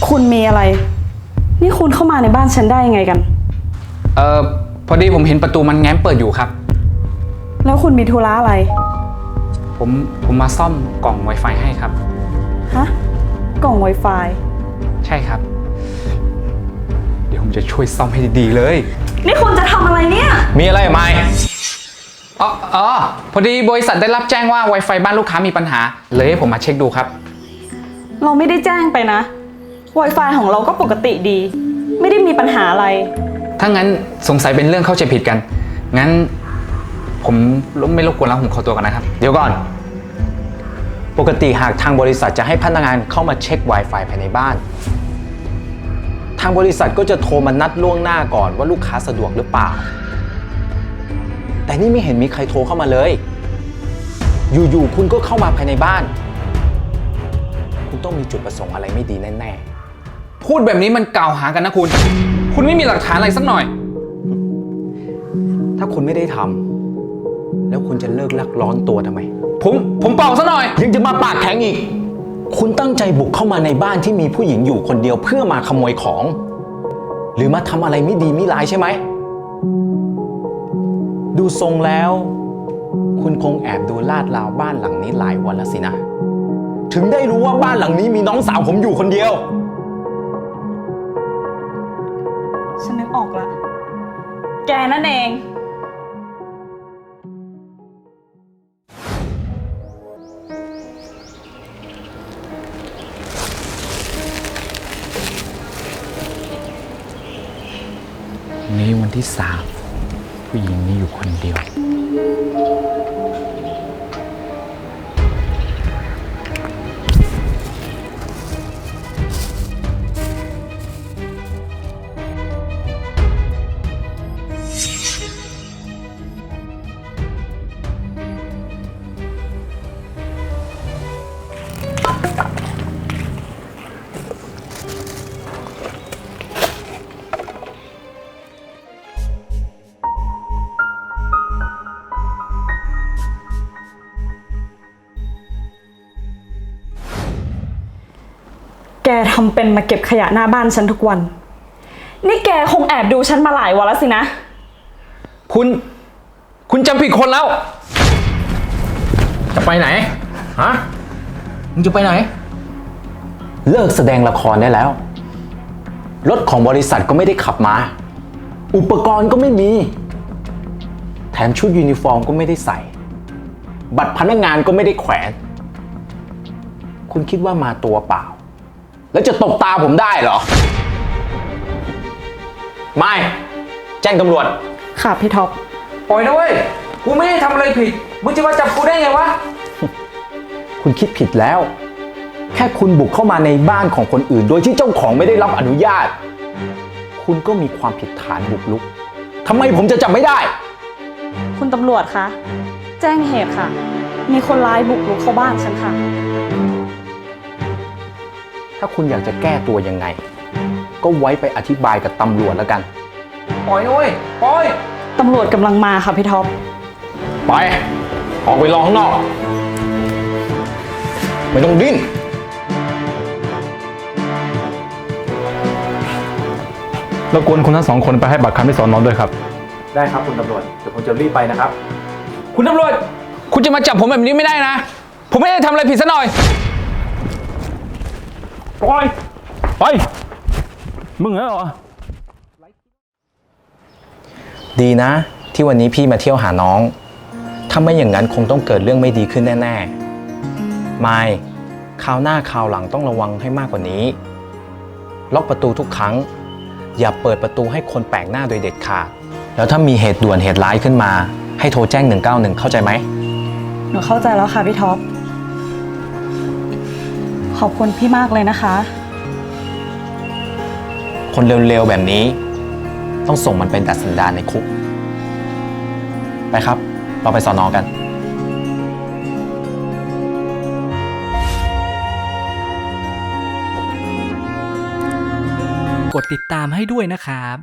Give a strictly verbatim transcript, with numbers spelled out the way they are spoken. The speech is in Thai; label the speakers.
Speaker 1: คุณมีอะไรนี่คุณเข้ามาในบ้านฉันได้ยังไงกัน
Speaker 2: เอ่อพอดีผมเห็นประตูมันแง้มเปิดอยู่ครับ
Speaker 1: แล้วคุณมีธุระอะไร
Speaker 2: ผมผมมาซ่อมกล่อง Wi-Fi ให้ครับ
Speaker 1: ฮะกล่อง Wi-Fi
Speaker 2: ใช่ครับเดี๋ยวผมจะช่วยซ่อมให้ดีๆเลย
Speaker 1: นี่คุณจะทำอะไรเนี่ย
Speaker 2: มีอะไรไหมอ๋ออ๋อพอดีบริษัทได้รับแจ้งว่า Wi-Fi บ้านลูกค้ามีปัญหาเลยให้ผมมาเช็คดูครับ
Speaker 1: เราไม่ได้แจ้งไปนะ Wi-Fi ของเราก็ปกติดีไม่ได้มีปัญหาอะไร
Speaker 2: ถ้างั้นสงสัยเป็นเรื่องเข้าใจผิดกันงั้นผมไม่รบกวนแล้วผมขอตัวก่อนนะครับ
Speaker 3: เดี๋ยวก่อนปกติหากทางบริษัทจะให้พนักงานเข้ามาเช็ค Wi-Fi ภายในบ้านทางบริษัทก็จะโทรมานัดล่วงหน้าก่อนว่าลูกค้าสะดวกหรือเปล่าแต่นี่ไม่เห็นมีใครโทรเข้ามาเลยอยู่ๆคุณก็เข้ามาภายในบ้านคุณต้องมีจุดประสงค์อะไรไม่ดีแน่
Speaker 2: ๆพูดแบบนี้มันกล่าวหากันนะคุณคุณไม่มีหลักฐานอะไรสักหน่อย
Speaker 3: ถ้าคุณไม่ได้ทำแล้วคุณจะเลิกลักร้อนตัวทำไม
Speaker 2: ผมผมเป่าซะหน่อย
Speaker 3: ยังจะมาปากแข็งอีกคุณตั้งใจบุกเข้ามาในบ้านที่มีผู้หญิงอยู่คนเดียวเพื่อมาขโมยของหรือมาทำอะไรไม่ดีไม่ร้ายใช่ไหมดูทรงแล้วคุณคงแอบดูลาดราวบ้านหลังนี้หลายวันแล้วสินะถึงได้รู้ว่าบ้านหลังนี้มีน้องสาวผมอยู่คนเดียว
Speaker 1: ฉันนึกออกละแกนั่นเอง
Speaker 2: นี้วันที่สามผู้หญิงนี้อยู่คนเดียว
Speaker 1: แกทำเป็นมาเก็บขยะหน้าบ้านฉันทุกวันนี่แกคงแอบดูฉันมาหลายวันแล้วสินะ
Speaker 2: คุณคุณจำผิดคนแล้วจะไปไหนฮะมึงจะไปไหน
Speaker 3: เลิกแสดงละครได้แล้วรถของบริษัทก็ไม่ได้ขับมาอุปกรณ์ก็ไม่มีแถมชุดยูนิฟอร์มก็ไม่ได้ใส่บัตรพนักงานก็ไม่ได้แขวนคุณคิดว่ามาตัวเปล่าแล้วจะตบตาผมได้เหรอไม่แจ้งตำรวจ
Speaker 1: ค่ะพี่ท็อป
Speaker 2: ปล่อยนะเว้ยกูไม่ได้ทำอะไรผิดมึงจะมาจับกูได้ไงวะ
Speaker 3: คุณคิดผิดแล้วแค่คุณบุกเข้ามาในบ้านของคนอื่นโดยที่เจ้าของไม่ได้รับอนุญาตคุณก็มีความผิดฐานบุกรุกทำไมผมจะจับไม่ได้
Speaker 1: คุณตำรวจคะแจ้งเหตุค่ะมีคนร้ายบุกรุกเข้าบ้านฉันค่ะ
Speaker 3: ถ้าคุณอยากจะแก้ตัวยังไงก็ไว้ไปอธิบายกับตำรวจแล้วกัน
Speaker 2: ปล่อยนะเว้ยปล่อย
Speaker 1: ตำรวจกำลังมาค่ะพี่ท็อป
Speaker 3: ไปออกไปรอข้างนอกไม่ต้องดิ้น
Speaker 4: รบกวนคุณทั้งสองคนไปให้ปากคำที่สอนอด้วยครับ
Speaker 3: ได้ครับคุณตำรวจเดี๋ยวผมจะรีบไปนะครับ
Speaker 2: คุณตำรวจคุณจะมาจับผมแบบนี้ไม่ได้นะผมไม่ได้ทำอะไรผิดซะหน่อย
Speaker 4: ปล่อยไปมึงเหรอ
Speaker 3: ดีนะที่วันนี้พี่มาเที่ยวหาน้องถ้าไม่อย่างนั้นคงต้องเกิดเรื่องไม่ดีขึ้นแน่ๆไม่คราวหน้าคราวหลังต้องระวังให้มากกว่านี้ล็อกประตูทุกครั้งอย่าเปิดประตูให้คนแปลกหน้าโดยเด็ดขาดแล้วถ้ามีเหตุด่วนเหตุร้ายขึ้นมาให้โทรแจ้งหนึ่งเก้าหนึ่งเข้าใจไหม
Speaker 1: หนูเข้าใจแล้วค่ะพี่ท็อปขอบคุณพี่มากเลยนะคะ
Speaker 3: คนเร็วๆแบบนี้ต้องส่งมันเป็นดัดสันดานในคุกไปครับเราไปสอนอกัน
Speaker 5: กดติดตามให้ด้วยนะครับ